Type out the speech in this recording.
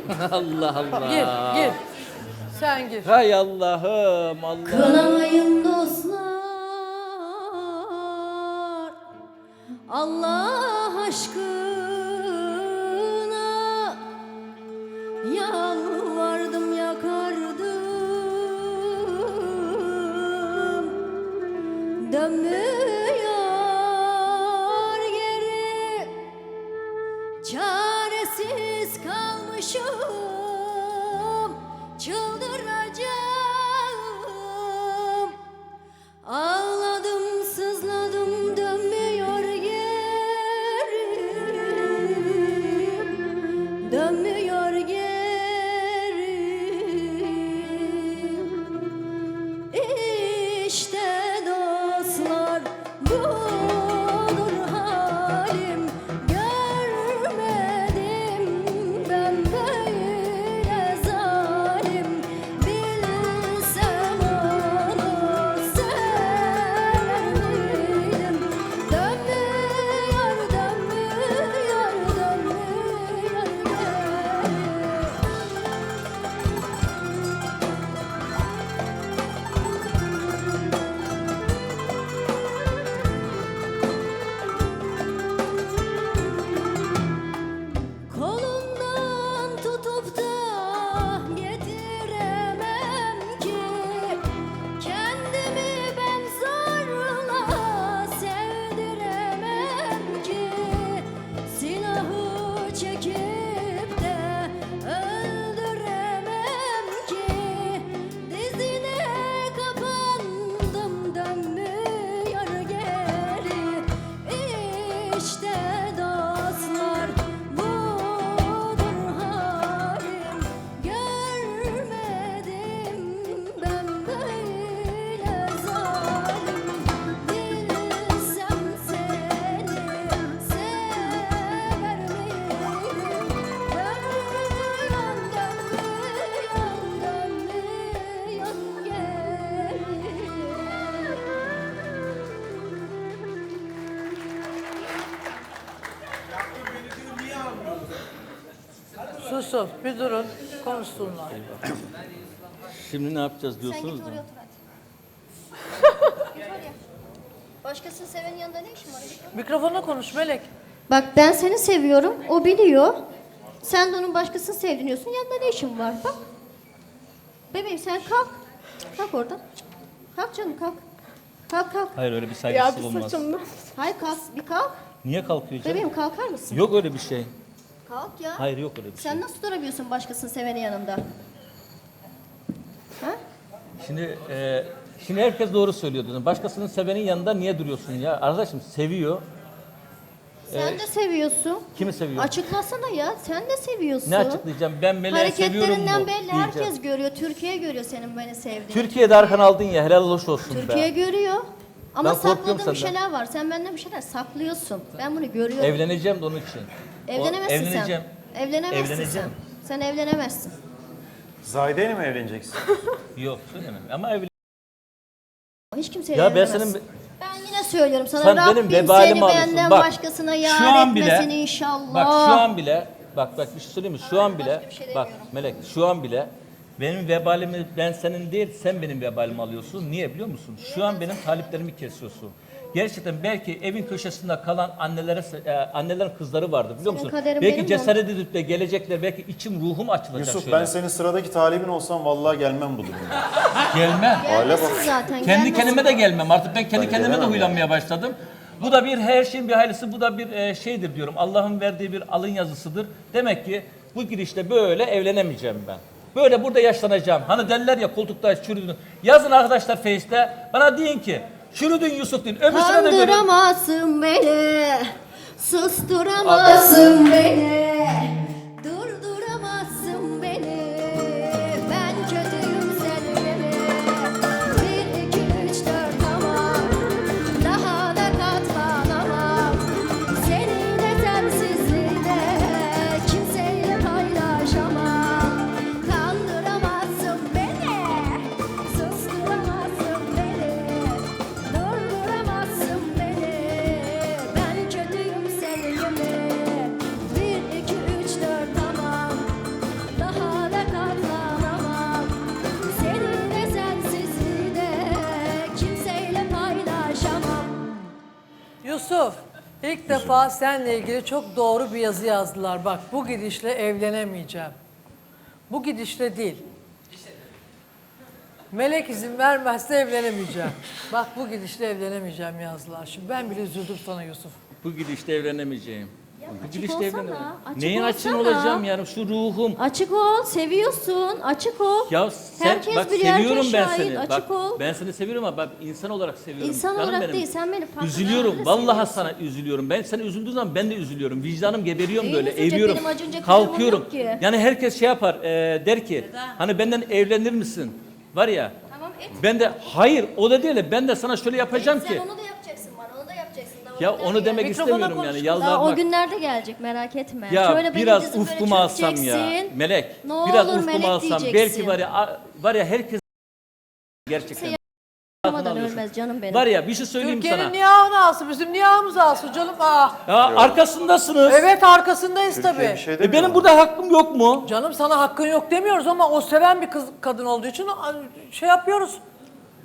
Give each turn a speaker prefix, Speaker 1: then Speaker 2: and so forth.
Speaker 1: Allah Allah.
Speaker 2: Gir. Sen gir.
Speaker 1: Hay Allah'ım Allah.
Speaker 3: Kınamayın dostlar, Allah aşkına. Yalvardım yakardım, dönmüyor geri. Çaresiz kalmışım, çıldıracağım. Ağladım, sızladım, dönmüyor geri. Dönmüyor geri. İşte dostlar, budur halim. Görmedim ben böyle zalim. Bilsem onu sever miydim? Dönmüyor, dönmüyor, dönmüyor geri. Kolundan tutup da getiremem ki, kendimi ben zorla sevdiremem ki. Silahı çekip de öldüremem ki. Dizine kapandım, dönmüyor geri. İşte dostlar, budur halim. Görmedim ben böyle zalim. Bilsem seni sever miydim? Dönmüyor, dönmüyor geri.
Speaker 2: Susun. Bir durun. Konuşsunlar.
Speaker 1: Şimdi ne yapacağız
Speaker 3: Sen
Speaker 1: diyorsunuz
Speaker 3: git
Speaker 1: değil
Speaker 3: oraya
Speaker 1: mi?
Speaker 3: otur hadi. Git oraya. Başkasının sevenin yanında ne işin var?
Speaker 2: Mikrofona konuş Melek.
Speaker 3: Bak ben seni seviyorum, o biliyor. Sen de onun başkasını sevdiriyorsun, yanında ne işin var? Bak. Bebeğim sen kalk. Kalk oradan. Kalk canım kalk. Kalk kalk.
Speaker 1: Hayır öyle bir saygısızlık olmaz.
Speaker 3: Hayır kalk, bir kalk.
Speaker 1: Niye kalkıyor canım?
Speaker 3: Bebeğim kalkar mısın?
Speaker 1: Yok öyle bir şey.
Speaker 3: Kalk ya.
Speaker 1: Hayır yok öyle bir şey.
Speaker 3: Sen nasıl durabiliyorsun başkasının sevenin yanında? Ha?
Speaker 1: Şimdi herkes doğru söylüyor diyorsun. Başkasının sevenin yanında niye duruyorsun ya? Arkadaşım seviyor.
Speaker 3: Sen de seviyorsun.
Speaker 1: Kimi seviyor?
Speaker 3: Açıklasana ya. Sen de seviyorsun.
Speaker 1: Ne açıklayacağım? Ben Melek'i seviyorum mu?
Speaker 3: Hareketlerinden belli.
Speaker 1: diyeceğim.
Speaker 3: Herkes görüyor. Türkiye görüyor senin beni sevdiğini.
Speaker 1: Türkiye'de arkan aldın ya helal hoş olsun
Speaker 3: Türkiye
Speaker 1: be.
Speaker 3: görüyor. Ama
Speaker 1: Ben korkuyorum
Speaker 3: sakladığın bir
Speaker 1: senden.
Speaker 3: şeyler var. Sen benden bir şeyler saklıyorsun. Ben bunu görüyorum.
Speaker 1: Evleneceğim de onun için.
Speaker 3: Evlenemezsin
Speaker 1: Evleneceğim.
Speaker 3: sen. Evlenemezsin
Speaker 1: Evleneceğim.
Speaker 3: sen. Sen evlenemezsin.
Speaker 4: Zahide'yle mi evleneceksin?
Speaker 1: Yok söylemem ama evlen.
Speaker 3: Hiç kimseyle
Speaker 1: Ya ben
Speaker 3: evlenemezsin.
Speaker 1: senin
Speaker 3: Ben yine söylüyorum sana.
Speaker 1: Sen
Speaker 3: Rabbim
Speaker 1: benim vebalimi
Speaker 3: seni
Speaker 1: alıyorsun.
Speaker 3: benden
Speaker 1: Bak,
Speaker 3: başkasına
Speaker 1: şu
Speaker 3: yar
Speaker 1: an bile-
Speaker 3: etmesin inşallah.
Speaker 1: Bak şu an bile bak bir şey söyleyeyim mi? Şu an bile
Speaker 3: başka bir şey
Speaker 1: bak
Speaker 3: demiyorum.
Speaker 1: Melek şu an bile benim vebalimi ben senin değil sen benim vebalimi alıyorsun. Niye biliyor musun? Şu an benim taliplerimi kesiyorsun. Gerçekten belki evin köşesinde kalan annelerin kızları vardı biliyor
Speaker 3: Senin
Speaker 1: musun?
Speaker 3: kaderin
Speaker 1: Belki
Speaker 3: benim
Speaker 1: cesaret edip de gelecekler belki içim ruhum açılacak
Speaker 4: Yusuf
Speaker 1: şöyle.
Speaker 4: ben senin sıradaki talibin olsam vallahi gelmem bu durumda.
Speaker 1: Gelmem.
Speaker 4: Aile bak.
Speaker 3: Gelmesin zaten.
Speaker 1: Kendi
Speaker 3: gelmesin.
Speaker 1: kendime de gelmem. Artık ben kendi
Speaker 4: Ben
Speaker 1: kendime de
Speaker 4: gelemem
Speaker 1: huylanmaya başladım. Bu da bir her şeyin bir hayırlısı, bu da bir şeydir diyorum. Allah'ın verdiği bir alın yazısıdır. Demek ki bu girişte böyle evlenemeyeceğim ben. Böyle burada yaşlanacağım. Hani derler ya koltukta çürüdün. Yazın arkadaşlar Face'te. Bana deyin ki çürüdün Yusuf deyin. Öbürsüne de görün.
Speaker 3: Kandıramazsın beni, susturamazsın beni, durduramazsın beni. Ben kötüyüm sevgili. 1, 2, 3, 4 tamam. Daha da katlanamam. Senin etemsizliğine kimseyle paylaşamam. Kandıramazsın beni, susturamazsın beni, durduramazsın beni. Ben kötüyüm sevgili. 1,
Speaker 2: İlk defa seninle ilgili çok doğru bir yazı yazdılar. Bak bu gidişle evlenemeyeceğim. Bu gidişle değil. Melek izin vermezse evlenemeyeceğim. Bak bu gidişle evlenemeyeceğim yazdılar. Şimdi ben bile üzüldüm sana Yusuf.
Speaker 1: Bu gidişte evlenemeyeceğim. Bu
Speaker 3: açık
Speaker 1: gidişte
Speaker 3: olsana,
Speaker 1: evlenemeyeceğim.
Speaker 3: açık
Speaker 1: Neyin açın
Speaker 3: olsana.
Speaker 1: olacağım yani şu ruhum.
Speaker 3: Açık ol, seviyorsun, açık ol.
Speaker 1: Ya sen
Speaker 3: Herkes
Speaker 1: bak
Speaker 3: biliyor, herkes
Speaker 1: seviyorum ben
Speaker 3: şahit,
Speaker 1: seni.
Speaker 3: açık
Speaker 1: Bak
Speaker 3: ol.
Speaker 1: ben seni seviyorum ama bak insan olarak seviyorum.
Speaker 3: İnsan
Speaker 1: Canım
Speaker 3: olarak
Speaker 1: benim.
Speaker 3: değil, sen beni farklı
Speaker 1: Üzülüyorum.
Speaker 3: yerlerde
Speaker 1: Vallahi
Speaker 3: seviyorsun.
Speaker 1: sana üzülüyorum. Ben seni üzüldüğüm zaman ben de üzülüyorum. Vicdanım geberiyorum
Speaker 3: Neyin
Speaker 1: böyle.
Speaker 3: üzülecek?
Speaker 1: Eğiliyorum.
Speaker 3: Benim acınacak bir
Speaker 1: Kalkıyorum.
Speaker 3: durumum yok ki.
Speaker 1: Yani herkes şey yapar. Der ki hani benden evlenir misin? Var ya.
Speaker 3: Tamam et.
Speaker 1: Ben de hayır o da değil de ben de sana şöyle yapacağım
Speaker 3: Sen
Speaker 1: ki.
Speaker 3: onu da yapacaksın bana, onu da yapacaksın. Daha o
Speaker 1: Ya
Speaker 3: günler
Speaker 1: onu demek
Speaker 3: gelecek.
Speaker 2: Mikrofona
Speaker 1: istemiyorum yani.
Speaker 2: konuş.
Speaker 3: Daha o
Speaker 1: Yalvarmak.
Speaker 3: günlerde gelecek, merak etme.
Speaker 1: Ya
Speaker 3: Şöyle benim
Speaker 1: biraz
Speaker 3: dizim böyle
Speaker 1: ufkumu alsam ya.
Speaker 3: çökeceksin.
Speaker 1: Melek.
Speaker 3: Ne
Speaker 1: Biraz
Speaker 3: olur
Speaker 1: ufkumu
Speaker 3: melek
Speaker 1: alsam.
Speaker 3: diyeceksin.
Speaker 1: Belki var ya herkes gerçekten.
Speaker 3: Olmadan
Speaker 1: alıyorsun.
Speaker 3: ölmez canım benim.
Speaker 1: Var ya bir şey söyleyeyim
Speaker 2: Türkiye'nin
Speaker 1: sana.
Speaker 2: niyahını alsın, bizim niyahımızı alsın canım.
Speaker 1: Ya arkasındasınız.
Speaker 2: Evet arkasındayız
Speaker 4: Türkiye
Speaker 2: tabii.
Speaker 4: bir şey
Speaker 1: Benim
Speaker 4: demiyor.
Speaker 1: burada hakkım yok mu?
Speaker 2: Canım sana hakkın yok demiyoruz ama o seven bir kız kadın olduğu için şey yapıyoruz.